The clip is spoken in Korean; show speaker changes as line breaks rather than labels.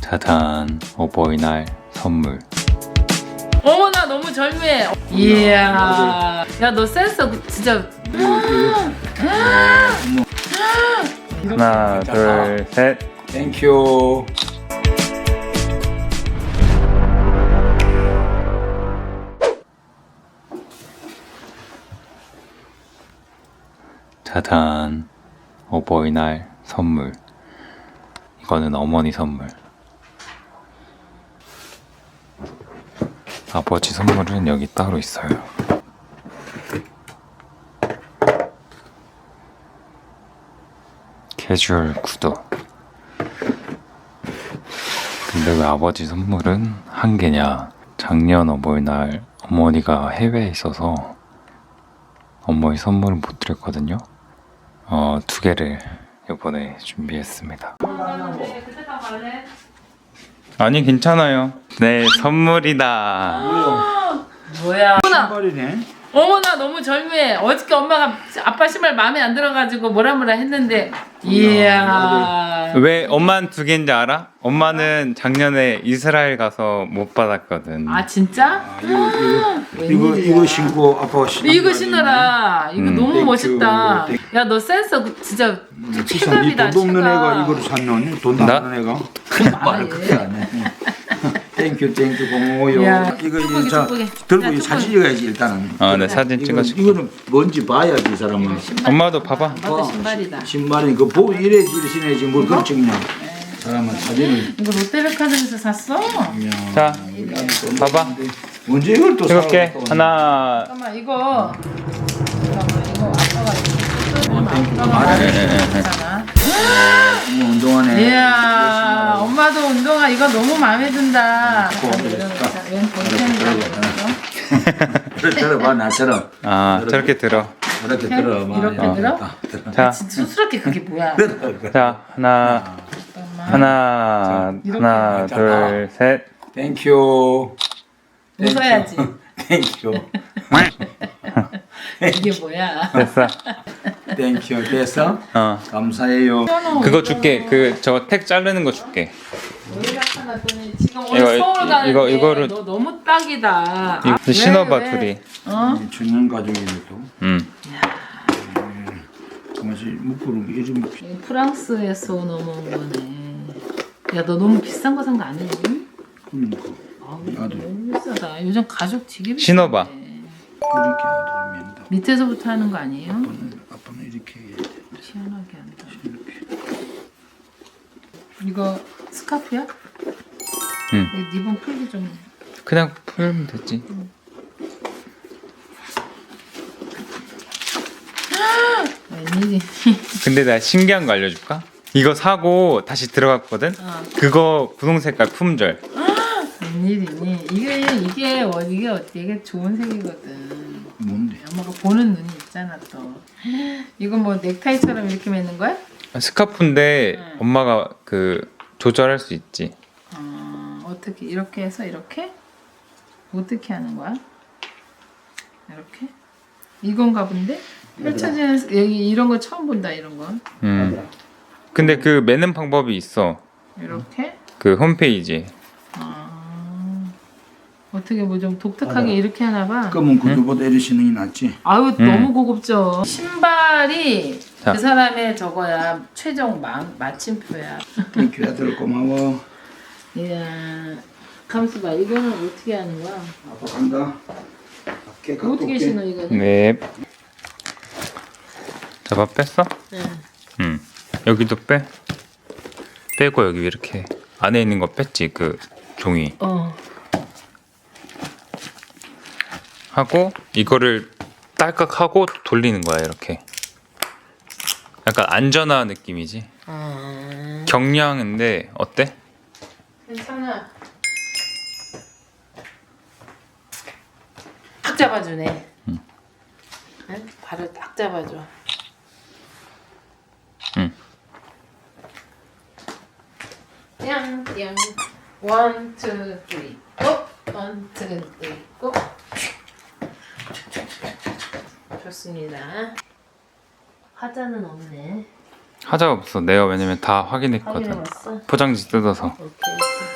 짜잔, 어버이날 선물.
어머나 너무 절묘해. 이야. 야 너 센스 진짜.
하나, 둘, 셋.
땡큐.
짜잔, 어버이날 선물. 이거는 어머니 선물. 아버지 선물은 여기 따로 있어요. 캐주얼 구두. 근데 왜 아버지 선물은 한 개냐? 작년 어버이날 어머니가 해외에 있어서 어머니 선물을 못 드렸거든요. 두 개를 이번에 준비했습니다. 아니 괜찮아요. 네, 선물이다.
뭐야?
신발이네.
어머나 너무 절묘해. 어저께 엄마가 아빠 신발 마음에 안 들어가지고 뭐라 했는데. 이야.
왜 엄마는 두 개인지 알아? 엄마는 작년에 이스라엘 가서 못 받았거든.
아 진짜?
이거 신고 아빠
이거 신어라. 이거 너무
땡큐.
멋있다. 야 너 센스 진짜 최갑이다.
돈 없는 애가
최갑.
이거를 샀노니? 돈
나?
없는 애가?
말을
말을 그렇게 안 해. 땡큐 고마워요.
야,
이거
축복이,
자
축복이.
들고
야,
이
축복이.
사진 찍어야지 일단은.
네, 사진 찍어줄게.
이거는 뭔지 봐야지 이 사람은.
엄마도 봐봐.
아빠도 신발이다.
신발이 그 보고 이래지 신어야지 뭘 그걸 찍냐. 사람은 사진을.
이거 롯데백화점에서 샀어?
자, 봐봐.
언제 이걸 또
이렇게
사고 또.
하나.
잠깐만 이거 아빠가 괜찮아.
운동하네.
이야 엄마도 운동화 이거 너무 마음에 든다. 웬
그래 들어봐 나처럼.
아, 저렇게 들어.
이렇게 들어봐.
이렇게 들어?
자,
수스럽게 그게 뭐야?
자, 하나, 하나, 둘, 셋.
땡큐.
웃어야지.
땡큐.
이게 뭐야?
됐어.
땡큐. 됐어? 감사해요.
그거 줄게. 저거 택 자르는 거 줄게.
지금 오늘 서울 가는데
이거를-
너 너무 딱이다.
이거
왜,
신어봐
왜?
둘이.
어?
중년 가족이네 또. 정말 묶으로 요즘
이거 프랑스에서 넘어온 거네. 야 너 너무 비싼 거 산 거 아니니?
그러니까
아우, 너무 비싸다. 요즘 가죽 되게 비싸.
신어봐.
이렇게 하면 다.
밑에서부터 하는 거 아니에요?
아빠는 이렇게 해야 돼.
희한하게 한다. 이거 스카프야?
응.
이거 리본 풀기 좀.
그냥 풀면 되지.
웬일이?
근데 나 신기한 거 알려줄까? 이거 사고 다시 들어갔거든? 그거 분홍 색깔 품절.
웬일이니? 이게 되게 좋은 색이거든.
뭔데?
엄마가 보는 눈이 있잖아 또. 이거 뭐 넥타이처럼 이렇게 매는 거야?
스카프인데 엄마가 조절할 수 있지.
어떻게 이렇게 해서 이렇게? 어떻게 하는 거야? 이렇게? 이건가 본데? 펼쳐지는 여기 이런 거 처음 본다 이런 거.
근데 매는 방법이 있어.
이렇게?
홈페이지.
어떻게 뭐 좀 독특하게 이렇게 하나 봐.
그러면 그거보다 이리 신는 게 낫지.
아유 너무 고급져. 신발이
자.
그 사람의 저거야 최종 마침표야.
땡큐 아들 고마워.
이야 감수 봐. 이거는 어떻게 하는 거야?
아빠 간다. 밖에 갖고
어떻게
올게.
신어 이거는?
네. 잡아 뺐어?
네.
여기도 빼. 빼고 여기 이렇게 안에 있는 거 뺐지 종이. 하고 이거를 딸깍하고 돌리는 거야 이렇게. 약간 안전화 느낌이지. 경량인데 어때?
괜찮아. 딱 잡아주네. 응? 발을 딱 잡아줘.
응.
띵띵. 원, 투, 쓰리, 고! 원, 투, 쓰리, 고! 좋습니다. 화자는 없네.
하자 없어. 내가 왜냐면 다 확인했거든.
확인해봤어?
포장지 뜯어서.
오케이.